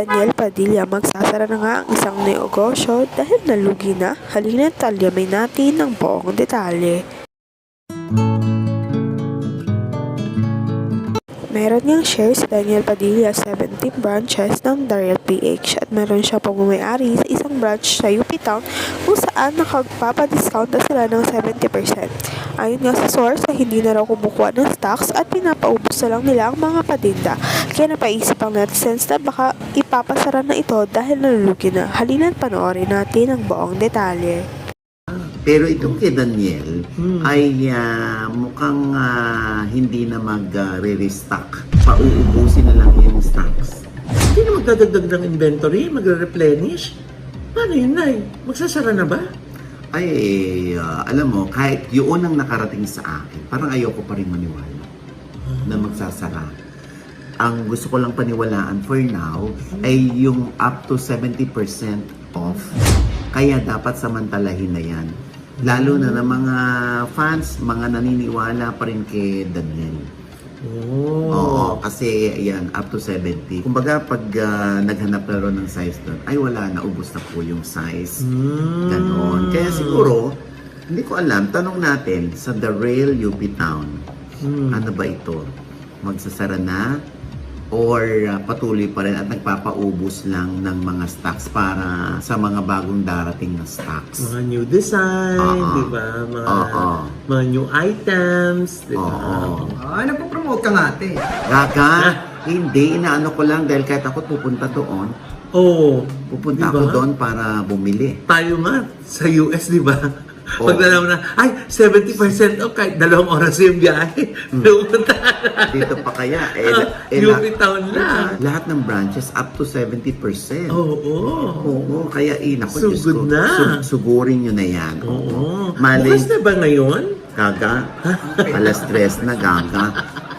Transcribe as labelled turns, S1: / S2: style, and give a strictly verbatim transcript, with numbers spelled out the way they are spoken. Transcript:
S1: Daniel Padilla, magsasara na nga ang isang negosyo dahil nalugi na. Halina't talyamin natin ng buong detalye. Meron niyang share si Daniel Padilla sa seventeen branches ng Daryl P H at meron siya pagmamayari sa isang branch sa U P Town kung saan nakagpapadiscount na sila ng seventy percent. Ayon nga sa source ay hindi na raw kumukuha ng stocks at pinapaubos na lang nila ang mga patinda. Kaya napaisip ang netizens na baka ipapasara na ito dahil nalulugi na. Halina't panoorin natin ang buong detalye.
S2: Pero itong kay Daniel
S3: Hmm.
S2: ay ah, mukhang ah, hindi na mag-re-restock. Pauubusin na lang yung stocks.
S3: Hindi na magdadagdag ng inventory, magre-replenish. Paano yun, Nay? Magsasara na ba?
S2: Ay, ah, alam mo, kahit yun ang nakarating sa akin, parang ayoko pa rin maniwala na magsasara. Ang gusto ko lang paniwalaan for now ay yung up to seventy percent off. Kaya dapat samantalahin na yan. Lalo na ng mga fans, mga naniniwala pa rin kay Daniel.
S3: Oh.
S2: Oo, kasi yan, up to seventy. Kumbaga, pag ah, naghanap na rin ng size doon, ay wala na, ubos na po yung size.
S3: Hmm.
S2: Ganon. Kaya siguro, hindi ko alam, tanong natin sa The Rail U P Town,
S3: Hmm.
S2: ano ba ito? Magsasara na? Or uh, patuloy pa rin at nagpapaubos lang ng mga stocks para sa mga bagong darating na stocks?
S3: Mga new design,
S2: Oo.
S3: di ba? Mga,
S2: Oo.
S3: mga new items, di ba?
S2: Oo.
S4: Ah, nagpo-promote ka nga, ate.
S2: Gaga, hindi, inaano ko lang dahil kahit ako pupunta doon,
S3: Oo.
S2: pupunta
S3: Di ba?
S2: ako doon para bumili.
S3: Tayo nga, sa U S, di ba?
S2: Oo.
S3: Pag nalaman na, ay, seventy percent off, kahit dalawang oras yung biyahe. Pupunta na.
S2: Dito pa kaya, eh,
S3: Ah,
S2: eh,
S3: U
S2: la-
S3: P Town na.
S2: lahat ng branches up to seventy percent.
S3: Oo.
S2: Oo, kaya eh, naku,
S3: So
S2: Diyos
S3: good
S2: ko,
S3: na.
S2: su- sugurin nyo na yan.
S3: Oo.
S2: Malay,
S3: Bukas na ba ngayon?
S2: gaga, alas tres na gaga.